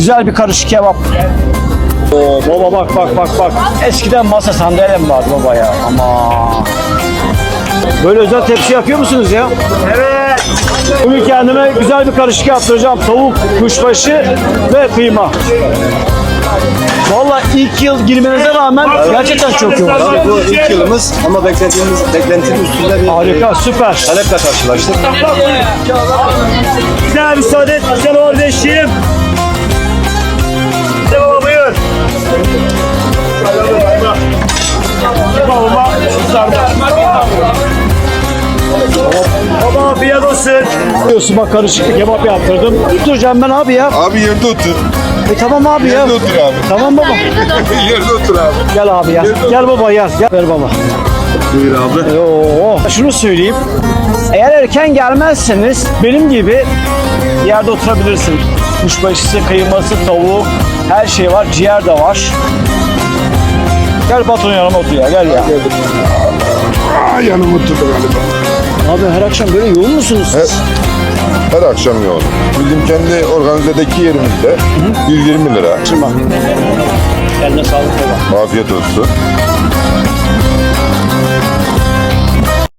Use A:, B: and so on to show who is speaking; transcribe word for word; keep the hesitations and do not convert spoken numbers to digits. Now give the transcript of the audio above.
A: Güzel bir karışık kebap. Oo, baba bak bak bak bak. Eskiden masa sandalyem vardı baba ya. Ama böyle özel tepsi yapıyor musunuz ya? Evet. Bugün kendime güzel bir karışık yaptıracağım. Tavuk, kuşbaşı ve kıyma. Vallahi ilk yıl girmenize rağmen gerçekten çok yoğun.
B: Tabii bu ilk yılımız ama beklediğimiz beklentinin üstünde bir
A: Harika, süper.
B: taleple karşılaştık.
A: Güzel müsaade et, güzel kardeşim. Hadi baba buyur. Babama Baba afiyet olsun. Diyorsun bak karışık bir kebap yaptırdım. Oturacağım ben abi ya.
C: Abi yerde otur.
A: E tamam abi ya.
C: Yerde otur abi.
A: Tamam baba.
C: Yerde otur abi.
A: Gel abi ya. Gel baba gel. Gel ver baba.
C: Buyur abi.
A: Oo. Şunu söyleyeyim. Eğer erken gelmezseniz benim gibi yerde oturabilirsin. Kuşbaşısı, kıyması, tavuk, her şey var. Ciğer de var. Gel patron yanıma otur ya. Gel ya.
C: Aa, yanıma oturdu galiba.
A: Abi her akşam böyle yoğun musunuz siz?
C: Evet. Her akşam yoğun. Bizim kendi organizedeki yerimizde yüz yirmi lira.
A: Şırma. Kendine sağlık baba.
C: Afiyet olsun.